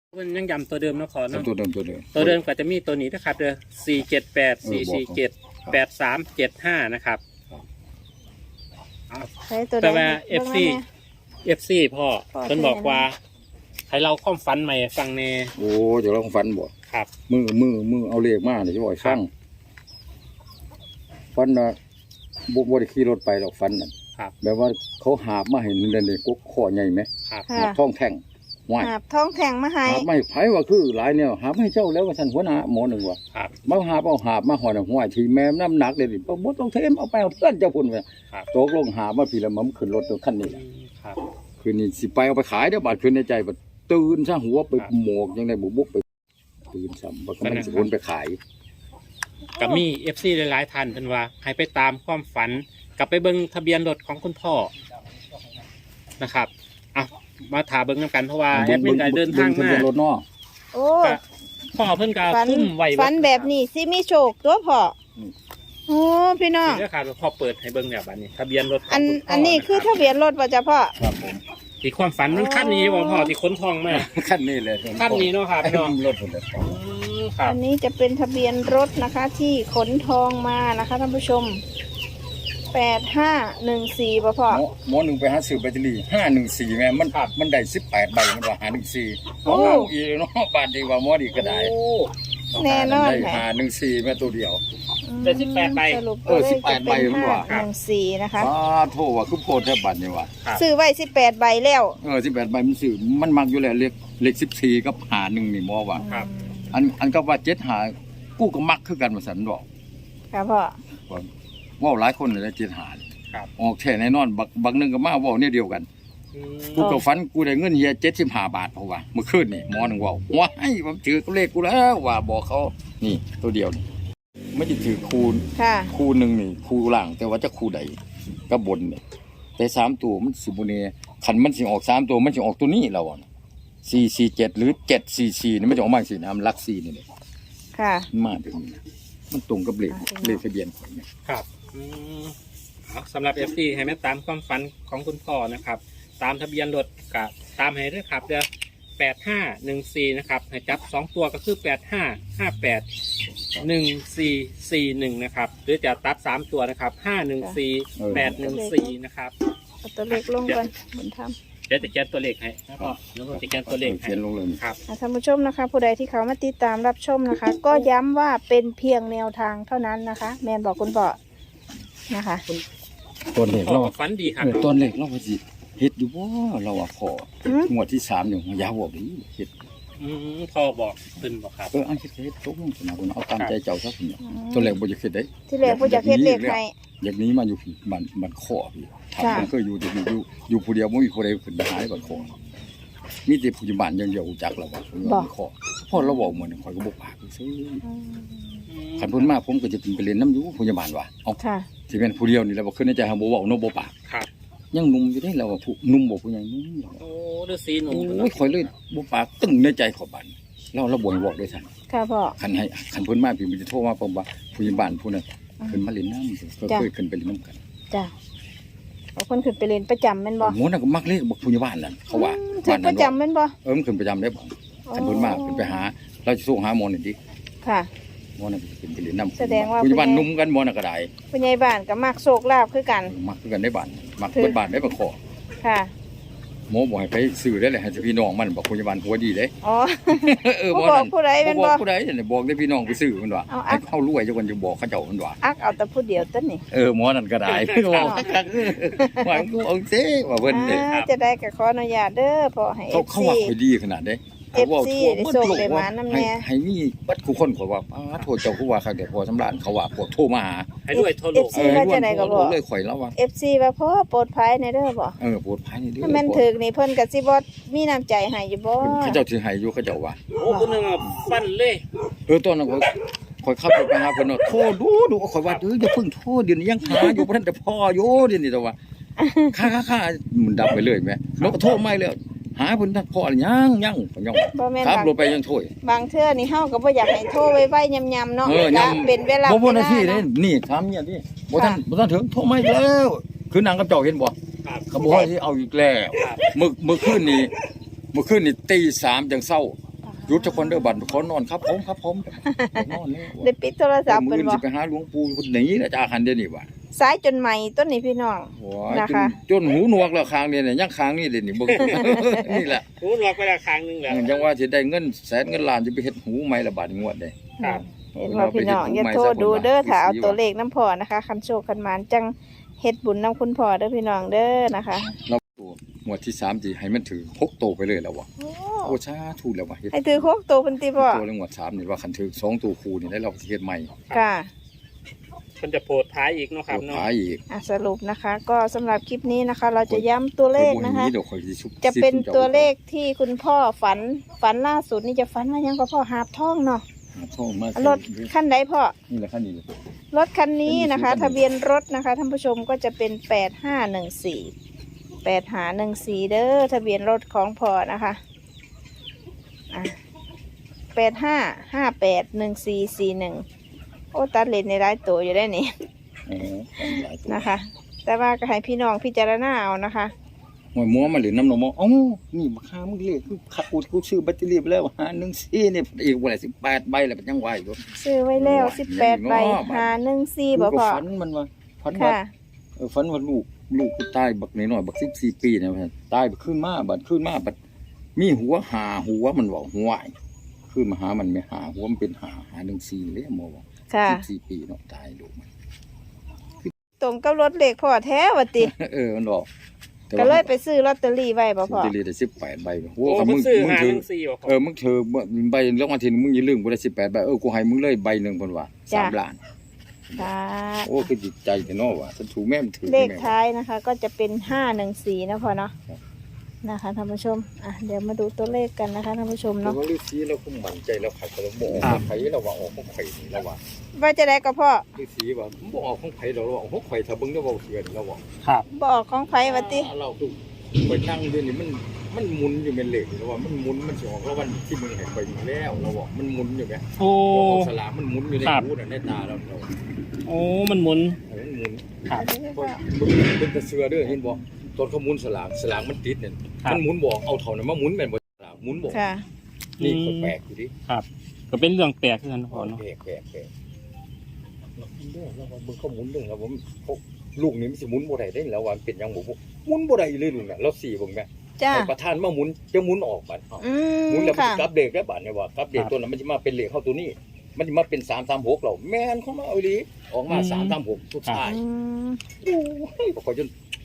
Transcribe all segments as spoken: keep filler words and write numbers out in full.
มันยังย้ำตัวเดิมเนาะขอเนาะตัวเดิมตัวเดิมตัวเดิมก็จะมีตัวนี้นะครับเด้อสี่เจ็ดแปดสี่สี่เจ็ดแปดสามเจ็ดห้านะครับแต่ว่าเอฟซีเอฟซีพ่อเพิ่นบอกว่าให้เราความฝันใหม่ฟังแน่โอ้เดี๋ยวเราฝันบ่ครับมือมือมือเอาเลขมาเดี๋ยวจะบอกฟังฝันนะบุกบริขี่รถไปหรอกฝันน่ะแบบว่าเขาหาบมาเห็นเด่นเลยกุ๊กข้อใหญ่ไหมหาบท้องแท่งหาบท้องแท่งมาให้หาบไม่ไผ่ว่าคือหลายเนี่ยหาบให้เจ้าแล้วว่าท่านหัวหน้าหมอหนึ่งว่ามาหาบเอาหาบมาห่อหนึ่งหัวทีแม่น้ำหนักเลยดิพอบุต้องเทมเอาไปเอาเพื่อนเจ้าพุ่นไปโตกลงหาบมาพี่ละมั่มขึ้นรถตัวขั้นนี้คืนนี้สิไปเอาไปขายเดี๋ยวบาดคืนในใจบัดตื่นซะหัวไปหมกยังไงบุกบุกไปตื่นซ้ำบัดมันสิวนไปขายก็มีเอฟซีหลายๆท่านเพิ่นว่าให้ไปตามความฝันกลับไปเบิ่งทะเบียนรถของคุณพ่อนะครับอ่ะมาถามเบิ่งกันเพราะว่าแอดมินเดินทางมาโอ้พ่อเพิ่นก็คุ้มไว้ฝันแบบนี้สิมีโชคตัวพ่อโอ้พี่น้องเดี๋ยวค่ะพ่อเปิดให้เบิ่งแบบนี้ทะเบียนรถอันอันนี้คือทะเบียนรถป่ะจ๊ะพ่อครับผมที่ความฝันมันขั้นนี้บ่พ่อที่ค้นทองมาขั้นนี้เลยขั้นนี้เนาะครับน้องรถผมเลยอันนี้จะเป็นทะเบียนรถนะคะที่ขนทองมานะคะท่านผู้ชมแปดห้าหนึ่งสี่ป่ะพ่อหมอหนึ่งไปหาซื้อแบตเตอรี่ห้าหนึ่งสี่แม่มันมันได้สิบแปดใบมันว่าหาหนึ่งสี่โอ้อีเนาะบาทดีกว่าหมอดีก็ได้แน่นอนหาหนึ่งสี่แม่ตัวเดียวได้สิบแปดใบเออสิบแปดใบมันว่าหนึ่งสี่นะคะอ๋อโทษว่าคือโพดแทบบัตรนี่ว่าซื้อไว้สิบแปดใบแล้วเออสิบแปดใบมันซื้อมันมักอยู่แล้วเลขเลขสิบสี่กับหาหนึ่งนี่หมอว่าอันอันก็ว่าเจ็ดหากู้ก็มักคือกันมาสันบอกครับพ่อว่าหลายคนเลยเจ็ดหาออกแค่แน่นอนบักบักนึงก็มาว่าเนี่ยเดียวกันกูกับฟันกูได้เงินเฮียเจ็ดสิบห้าบาทเพราะว่าเมื่อคืนนี่หมอหนึ่งว่าว้ายผมถือเลขกูแล้วว่าบอกเขานี่ตัวเดียวนี่ไม่ได้ถือคูณคูณหนึ่งนี่คูล่างแต่ว่าจะคูใดก็บนเนี่ยแต่สามตัวมันสิบุเน่ขันมันสิออกสามตัวมันสิออกตัวนี้เราอ่ะสี่สี่เจ็ดหรือเจ็ดสี่สี่นี่ไม่จะออกมาสี่น้ำลักสี่นี่เลยค่ะมาถึงมันตรงกับเลขเลขทะเบียนของเนี่ยครับสำหรับเอฟซีให้แม่ตามความฝันของคุณพ่อนะครับตามทะเบียนรถกับตามให้ด้วยครับเดี๋ยวแปดห้าหนึ่งสี่นะครับให้จับสองตัวก็คือแปดห้าห้าแปดหนึ่งสี่สี่หนึ่งนะครับหรือจะตัดสามตัวนะครับห้าหนึ่งสี่แปดหนึ่งสี่นะครับเอาตัวเลขลงก่อนบนทำเดี๋ยวจะเขียนตัวเลขให้นะครับแล้วก็จะเขียนตัวเลขให้เขียนลงเลยครับท่านผู้ชมนะคะผู้ใดที่เขามาติดตามรับชมนะคะ ก็ย้ำว่าเป็นเพียงแนวทางเท่านั้นนะคะแมนบอกคุณพ่อนะคะตัวเลขเราฝันดีครับตัวเลขเราว่าสิเฮ็ดอยู่บ่เราว่าพองวดที่สามอยู่ยาวบ่ดีเฮ็ดอืมพ่อบอกเพิ่นบอกครับเอออันเฮ็ดเฮ็ดตกลงนะคุณเอาตามใจเจ้าซะพุ่นตัวเลขบ่อยากเฮ็ดได้ที่แรกบ่อยากเฮ็ดเลขให้อย่างนี้มาอยู่บ้านบ้านข้อพี่ทำมันเคยอยู่อยู่อยู่อยู่ผู้เดียวบ่มีผู้ใดขึ้นไปหาได้บ้านข้อมีแต่ผู้อยู่บ้านอย่างเดียวจักแล้วว่าบ้านข้อพ่อเราเว้าเหมือนข่อยก็บ่ปากซื่อคันเพิ่นมาผมก็จะไปเล่นน้ำอยู่ผู้ใหญ่บ้านว่าเอ้าสิเป็นผู้เดียวนี่แล้วบ่ขึ้นในใจเฮาบ่เว้าเนาะบ่ปากครับยังนุ่มอยู่ได้เราว่าผู้นุ่มบ่ผู้ใหญ่นุ่มโอ้ฤาษีหนุ่มโอ้ยข่อยเลยบ่ปากตึ้งในใจเขาบ้านเราเราบ่บอกด้วยซั่นค่ะพ่อคันให้คันเพิ่นมาพี่มันจะโทรมาผมว่าผู้ใหญ่บ้านผู้นั้นขึ้นมาเล่นน้ำก็เคยขึ้นไปเล่นน้ำกันจ้ะเอาคนขึ้นไปเล่นประจำแม่นบ่โหนั่นก็มักเลขบอกผู้ใหญ่บ้านนั่นเขาว่าขึ้นประจำแม่นบ่เออมันขึ้นประจำได้บ่คันเพิ่นมาขึ้นไปหาเราจะส่งหาหมอนี่ดิค่ะหมอนั่นขึ้นไปเล่นน้ำแสดงว่าผู้ใหญ่บ้านนุ่มกันหมอนั่นก็ได้ผู้ใหญ่บ้านก็มักโชคลาภคือกันมักคือกันได้บ้านมักเบิดบ้านได้บ่ขอค่ะหมอบอกให้ไปซื้อได้เลยให้พี่น้องมันบอกผู้ใหญ่บ้านหัวดีเด้อ๋อเออบอกผู้ใดเป็นบ่ผู้ใดเนี่ยบอกได้พี่น้องไปซื้อมันว่าให้เข้ารวยจังคนจะบอกเขาเจ้ามันว่าอักเอาแต่ผู้เดียวต้นนี่เออหมอนั่นก็ได้บอกว่ากูเอาเซ่ว่าเพิ่นเด้จะได้ก็ขออนุญาตเด้อพอให้เขาเขาว่าค่อยดีขนาดเด้เอฟซีได้ส่งได้มานำแน่ให้มีบัดคู่คนข่อยว่าอ้าโทษเจ้าผู้ว่าคักแต่พอสำราญเขาว่าพวกโทรมาหาให้ด้วยโทรโลกเอฟ ซี ว่าจะได้ก็บอกเลยข่อยแล้วว่าเอฟ ซี ว่าพ่อโปรดภัยในเด้อบ่เออโปรดภัยในเด้อถ้ามันถึกนี่เพิ่นก็สิบ่มีน้ำใจให้อยู่บ่เขาเจ้าสิให้อยู่เขาเจ้าว่าโอ้คนนึงฟันเลยเออตอนนั้นข่อยขับรถไปหาเพิ่นโทรดูดูข่อยว่าเอออย่าเพิ่งโทรเดี๋ยวนี้ยังหาอยู่บ่ทันแต่พ่ออยู่เดี๋ยวนี้แต่ว่าค่าๆๆมันดับไปเลยแม่แล้วก็โทรใหม่แล้วหาเพิ่นทักพอยังยังยังครับรถไปยังโทยบางเทื่อนี่เฮาก็บ่อยากให้โทรไว้ๆยำๆเนาะจะเป็นเวลาบ่บ่นาทีนี่นี่ถามเนี่ยนี่บ่ทันบ่ทันถึงโทรไม่แล้วคือนางกับเจ้าเห็นบ่เขาบอกว่าสิเอาอีกแล้วมื้อมื้อคืนนี้มื้อคืนนี่ตีสามจังเช้าหยุดทุกคนเด้อบัดขอนอนครับผมครับผมนอนแล้วได้ปิดโทรศัพท์มืเพิ่นอบ่สิไปหาหลวงปู่หนีแล้วจะอาคันเดี๋ยวนี้ว่ะสายจนใหม่ต้นนี้พี่น้องโอ้ยนะจนคะจนหูหนวกแล้วคางเนี่ยยังคางนี่เดี๋ยวนี้เบิ่ง นี่แหละรู้ล็อกไปละครั้งหนึงแล้วจังว่าสิได้เงินแสนเงินล้านจะไปเฮ็ดหูใหม่ละบาดงวดเด้ครับเห็นว่าพี่น้องอย่าโทษดูเด้อถ้าเอาตัวเลขน้ำพอนะคะคันโชคคันหมานจังเฮ็ดบุญน้ำคุณพ่อเด้อพี่น้องเด้อนะคะเราตัวงวดที่สามสิให้มันถือหกโตไปเลยแล้วว่ะโอ้ชาถูกแล้วว่ะเฮ็ดให้ถือโคกโตเป็นติพ่อตัวเรื่องงวดสามนี่ว่าคันถือสองตัวคู่นี่ได้เราสิเฮ็ดใหม่ค่ะเพิ่นจะโพดท้ายอีกเนาะครับตัวเนาะขายอีกอ่ะสรุปนะคะ ก็สำหรับคลิปนี้นะคะ เราจะย้ำตัวเลขนะคะเดี๋ยวข่อยสิชุบจะเป็นสิบตัวเลขที่คุณพ่อฝันฝันล่าสุดนี่จะฝันว่ายังก็พ่อหาบท่องเนาะหาช่องมารถคันใดพ่อนี่แหละคันนี้เลยรถคันนี้นะคะเป็นทะเบียนรถนะคะท่านผู้ชมก็จะเป็นแปดห้าหนึ่งสี่แปดหาหนึ่งสี่เด้อทะเบียนรถของพ่อนะคะอ่ะแปดห้าห้าแปดหนึ่งสี่สี่หนึ่งโอ้ตัดเลนในร้ายตัวอยู่ได้นี่อ๋อหลายตัวนะคะ แต่ว่าก็ให้พี่น้องพิจารณาเอานะคะหวยมัวมาเหลือน้ำนมเอ้านี่มาค้ามึงเลขคือขัดกูกูชื่อแบตเตอรี่ไปแล้วหาหนึ่งสี่นี่อีกว่าสิบแปดใบแล้วเป็นยังไหวอยู่ซื้อไว้แล้วสิบแปดใบเนาะหาหนึ่งสี่กูบ่ก็พอฝันมันว่าฝันว่าค่ะเออฝันว่าลูกลูกกูตายบักน้อยๆบักสิบสี่ปีนะว่าตายบัดขึ้นมาบัดขึ้นมาบัดมีหัวหาหัวมันบอกหัวไอ้ขึ้นมาหามันไม่หาหัวมันเป็นหาหาหนึ่งสี่เลยหมอบอกค่ะสิบสี่ปีเนาะตายลูกมันตรงกับรถเลขพ่อแท้วะติเออมันบอกแต่ก็ว่าเลยไปซื้อลอตเตอรี่ไว้บ่ลอพ่อตเตอรี่ได้สิบแปดใบโอ้โอ้กับเพิ่มึนงซื้อมึงหาถืหอนึ่งสี่บ่คเอรับอมึงเธอใบรางวัลที่หนึ่งมึงอย่าลืมกูได้สิบแปดใบเออกูให้มึงเลยใบหนึ่งคนว่าสามล้านค่ะโอ้คือจิตใจแต่นอว่ะฉันถูกแม่มันถือเลขแม่ท้ายนะคะ ก็จะเป็นห้าหนึ่งสี่นะพ่อเนาะครับนะคะท่านผู้ชมอ่ะเดี๋ยวมาดูตัวเลขกันนะคะท่านผู้ชมแต่เนาะว่าฤาษีเราคุ้มมั่นใจแล้วขัดเราบอกของไผ่เราว่าออกของไผ่นี่เราว่าว่าจะได้ก็พ่อฤาษีว่าบอกออกของไผ่เราว่าออกของไผ่ถ้าเบิ่งได้ว่าเสือนเราว่าครับบอกของไผวะติเราดูไปนั่งอยู่นี่มันมันหมุนอยู่เป็นเหล็กเราว่ามันหมุนมันสิออกแล้ววันที่มึงให้ไปอยู่แล้วเราบอกมันหมุนอยู่แม่โอ้ออกสลากมันหมุนอยู่ในครับหูน่ะในตาเราเราโอ้มันหมุนเออมันหมุนครับมึงเป็นตะเสือเด้อเห็นบ่ตอนเขาหมุนสลากสลากมันติดเนี่ยครับมันหมุนบอกเอาเท่านั้นมาหมุนแม่นบ่สลากหมุนบอกค่ะนี่ก็แปลกอยู่ดิครับ ก็เป็นเรื่องแปลกขึ้นกันพ่อเนาะแปลกแปลกแปลกเราหมุนเด้อเราว่ามึงเขาหมุนเด้อเราว่าเขาลูกนี่มันสิหมุนบ่ได้เด้แล้วว่ามันเป็นหยังบ่หมุนบ่ได้เลยลูกน่ะเราสี่เบิ่งแม่จ้าให้ประธานมาหมุนจะหมุนออกบัดเอ้าอืมหมุนแล้วมันค่ะสิกลับเด็กได้บัดเนี่ยว่ากลับเด็กตัวนั้นมันสิมาเป็นเลขเข้าตัวนี้ มันสิมาเป็นสามสามหกเราแม่นเข้ามาเอาอีหลีออกมาสามสามหกสุดท้ายอืมโอ้ยบ่ค่อยจน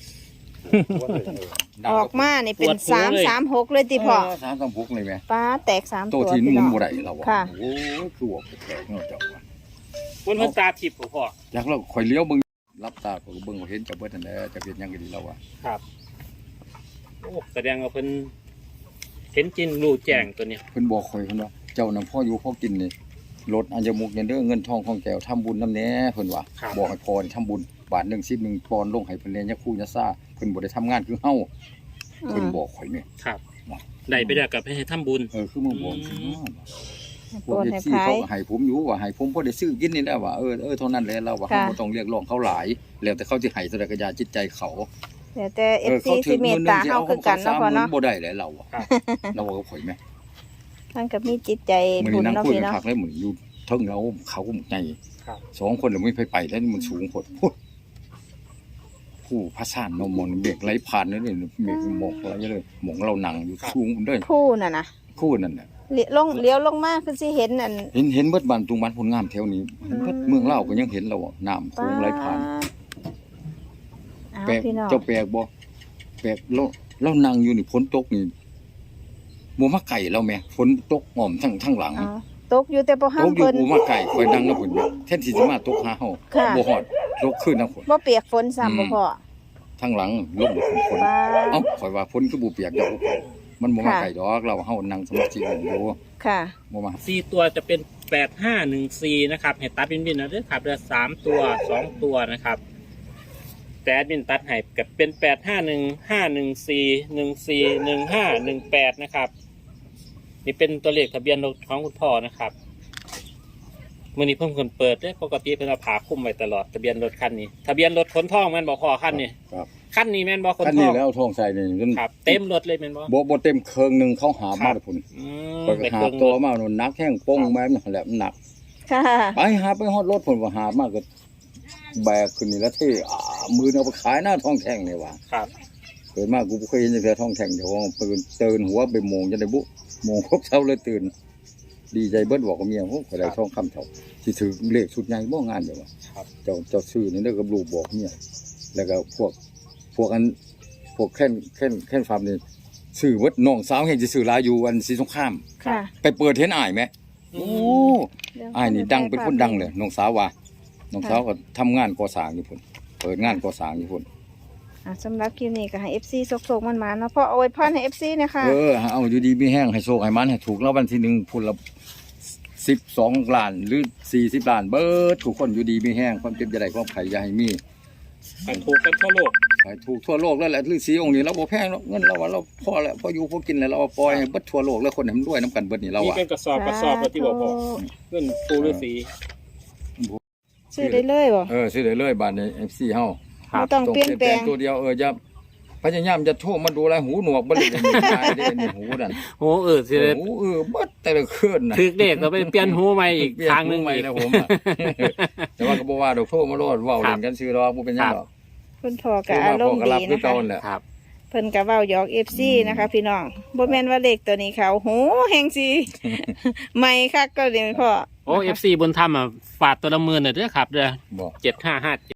ออกมานี่เป็นสามสามหกเลยติพ่อสามสามหกเลยแม่ฟ้าแตกสามตัตัว วที่หพี่มุน้นองบ่ได้เราอะค่ะโอ้ยคือว่าแปลกเนาะเจ้าว่ามันเพิ่นตาทิพย์บ่พ่ออยากเราข่อยเลี้ยวเบิ่งรับตาข่อยก็เบิ่งว่าเห็นจะเบิดนั่นแหละจะเป็นหยังก็ดีแล้วว่าครับโอ้แสดงว่าเพิ่นเห็นจริงรู้แจ้งตัวเนี้ยเพิ่นบอกข่อยเพิ่นว่าเจ้านำพ่ออยู่พ่อกินนี่ลดอัญมุกเนี่ยเด้อเงินทองของแก้วทำบุญนำแหน่เพิ่นว่าครับบอกให้พรทำบุญบาทหนึ่งสิบหนึ่งปอนด์ลงให้เพิ่นเรียนยะคู่ยะซ่าเพิ่นบ่ได้ทำงานคือเฮาอืเพิ่นมบอกข่อยนี่ครับได้ไปแล้วกับให้ทำบุญเออคือมึงบอกอืมพวกโอนเอให้ฟซีพาเขายก็ให้ผมอยู่ว่าให้ผมพอได้ซื้อกินนี่แหละว่าเออเออเท่านั้นแหละเราว่าค่ะเฮาบ่ต้องเรียกร้องเขาหลายแล้วแต่เขาสิให้แสดงกระยาจิตใจเขาเดี๋ยวแต่เอฟซีสิเมตตาเฮาคือกันเนาะพ่อเนาะบ่ได้แหละเราอะครับเราว่าเขาข่อยแม่ท่านก็มีจิตใจมื้อบุนี้ญนั่งเนาะคุยพี่กันเนาะคักเลยมื้อนี้อยู่เทิงเราเขาก็ใหญ่ครับสองคนแล้วไม่ไปไปแล้วนี่มันสูงโพดพูดผู้พระสานนมนเบรกไหลผ่านนั่นเลยเบรกหมอกอะไรเลยหมองเรานั่งอยู่สูงเด้อผู้น่ะนะคู่นั่นน่ะเลี้ยวลงเลี้ยวลงมาคือสิเห็นอันเห็นเห็นเบิดบ้านตุงบ้านผลงามแถวนี้เห็นเบิดเมืองเล่าวก็ยังเห็นเราอะน้ำโค้งไหลผ่านเอาแปลกพี่น้องเจ้าแปลกบ่แปลกเราเรานั่งอยู่นี่ฝนตกนี่บ่มาไก่เราแม่ฝนตกอ้อมทั้งทั้งหลังเอาตกอยู่แต่บ่ห้าตมกอยู่เพิ่นบ่มาไก่คอยนั่งนำเพิ่นอยู่แทนที่สิมาตกหาเฮาค่ะบ่ฮอดตกคืนนำฝนบ่เปียกฝนซ้ำบ่พอทั้งหลังลงฝนฝนป้าเอ้าข่อยว่าฝนคือบ่เปียกดอกมันบ่มาไก่ดอกเราเฮานั่งสมาธิอยู่ค่ะบ่มาสี่ตัวจะเป็นแปดห้าหนึ่งสี่นะครับให้ตัดบินบินนะเด้อครับเดือสามตัวสองตัวนะครับ แต่แอดมินตัดให้กับเป็นแปดห้าหนึ่งห้าหนึ่งสี่หนึ่งสี่หนึ่งห้าหนึ่งแปดนะครับ นี่เป็นตัวเลขทะเบียนรถของคุณพ่อนะครับมื่อนี้เพิ่งคนเปิดได้ปกติเป็นเอาผาคลุ้มไว้ตลอดทะเบียนรถคันนี้ ทะเบียนรถขนทองแมันบอกพ่อคันนี้ครับขั้นนี้แม่นบ่คนคันพ่นี้อแล้วเอาทองใส่นี่จนครับเต็มรถเลยแม่นบ่บ่บ่เต็มเครื่องหนึงเขาหาครัมาบแต่พุ่นอืมก็ไปหาเครื่องตัวมาโน่นหนักแห้งโป้งแม่นนั่นแหละมันหนักค่ะไปหาไปฮอดรถพุ่นว่าหามากก็แบกขึ้นนี่แล้วที่อ่ามือเอาไปขายหน้าทองแท่งนี่ว่าครับเกิดมากูบ่เคยเห็นจังซี่ทองแท่งเดี๋ยวตื่นตื่นหัวไปโมงจะได้บุโมงครบเช้าเลยตื่น ดีใจเบิดบอกกับเมียโอ้ก็ได้ทองคำเท่าสิถือเลขชุดใหญ่บ่งานเด้อว่าครับเจ้าเจ้าซื้อนี่เด้อกับลูกบอกเมียแล้วก็พวกพวกอันพวกแค่นแค่นแค่นฟาร์มนี่ซื้อเบิดน้องสาวเห็นสิซื้อหลายอยู่อันสีสงครามค่ะไปเปิดเห็นอ้ายไหมอืโอ้มอ้ายนี่ดังเป็นคนดังเลยน้องสาวว่าน้องสาวก็ทำงานก่อสร้างอยู่พุ่นเปิดงานก่อสร้างอยู่พุ่นอ่ะสำหรับคลิปนี้ก็ให้ เอฟ ซี สกๆมันๆเนาะพ่อเอาไว้พรให้ เอฟ ซี นะคะเออเอาอยู่ดีมีแห้งให้โชคให้มันให้ถูกแล้ววันที่หนึ่งพุ่นละสิบสองล้านหรือสี่สิบล้านเบิดทุกคนอยู่ดีมีแห้งความเจ็บจะได้ความไข่อย่าให้มีมันถูกกันทั่วโลกให้ถูกทั่วโลกแล้วแหละฤาษีองค์นี้เราบ่แพงหรอกเงินเราว่าเราพอแล้วพออยู่พอกินแล้วเราเอาปล่อยให้เบิดทั่วโลกแล้วคนให้มันรวยน้ำกันเบิดนี่เรามีอ่ะเป็นกระสอบกระสอบแล้วที่บอกพ่อเงินปูฤาษีซื้อได้เลยบ่เออซื้อได้เลยบาทใน เอฟ ซี เฮาไม่ต้องเปลี่ยนแปลงตัวเดียวเอออย่าพยายามจะโทรมาดูแลหูหนวกบ่ได้เป็นตายได้ในหูนั่นโอ้เออสิได้หูเออเบิดแต่ละคืนน่ะถึกเด็กเราไปเปลี่ยนหูใหม่อีกเปลี่ยนทางหนึงหูใหม่อีกนะผมอะ แต่ว่าก็บ่ว่าดอกโทรมาโลดเว้าเล่นกันซื่อดอกบ่เป็นหยังดอกเพิ่นพ่อโทก็รอามารพอมณ์ก็ดีรับคือนะเก่าคะนั่นแหละครับเพิ่นก็เว้าหยอก เอฟ ซี นะคะ พี่น้องบ่แม่นว่าเลขตัวนี้เขาโหแฮงสิ ใหม่คักก็เลยพ่อโอ้เอฟซีบนถ้ำอ่ะฝาดตัวละหมื่นน่ะเด้อครับเด้อบ่เจ็ดห้าห้า